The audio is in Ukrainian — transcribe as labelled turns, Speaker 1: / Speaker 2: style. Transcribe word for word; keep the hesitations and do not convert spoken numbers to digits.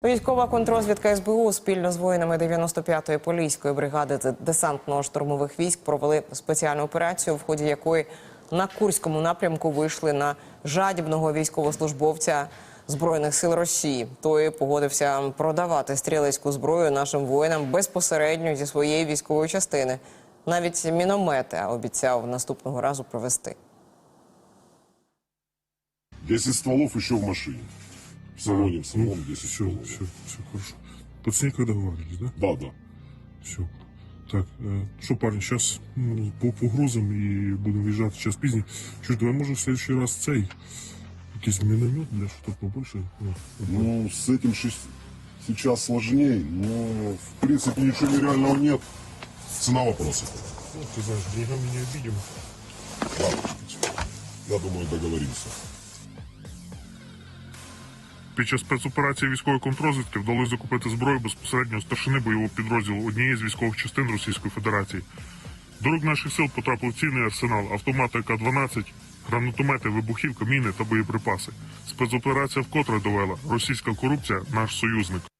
Speaker 1: Військова контррозвідка ес бе у спільно з воїнами дев'яносто п'ятої поліської бригади десантно-штурмових військ провели спеціальну операцію, в ході якої на Курському напрямку вийшли на жадібного військовослужбовця Збройних сил Росії. Той погодився продавати стрілецьку зброю нашим воїнам безпосередньо зі своєї військової частини. Навіть міномети обіцяв наступного разу привезти.
Speaker 2: десять стволов еще в машине. В салоне, в салоне десять
Speaker 3: Все,
Speaker 2: стволов.
Speaker 3: все, все хорошо. Под снег вы договаривались, да?
Speaker 2: Да, да.
Speaker 3: Все. Так, э, что, парни, сейчас ну, по погрузам и будем въезжать час пізніше. Чуть, давай, может, в следующий раз цей якийсь міномет для что-то побольше. Ну,
Speaker 2: Ну, с этим шесть- сейчас сложнее, но в принципе ничего нереального нет. Цена вопроса.
Speaker 3: ну, ты знаешь, деньгами не обидим.
Speaker 2: Ладно, я думаю, договоримся.
Speaker 3: Під час спецоперації військової контррозвідки вдалося закупити зброю безпосередньо старшини бойового підрозділу однієї з військових частин Російської Федерації. До рук наших сил потрапив цінний арсенал, автомати а ка дванадцять, гранатомети, вибухівка, міни та боєприпаси. Спецоперація вкотре довела: російська корупція – наш союзник.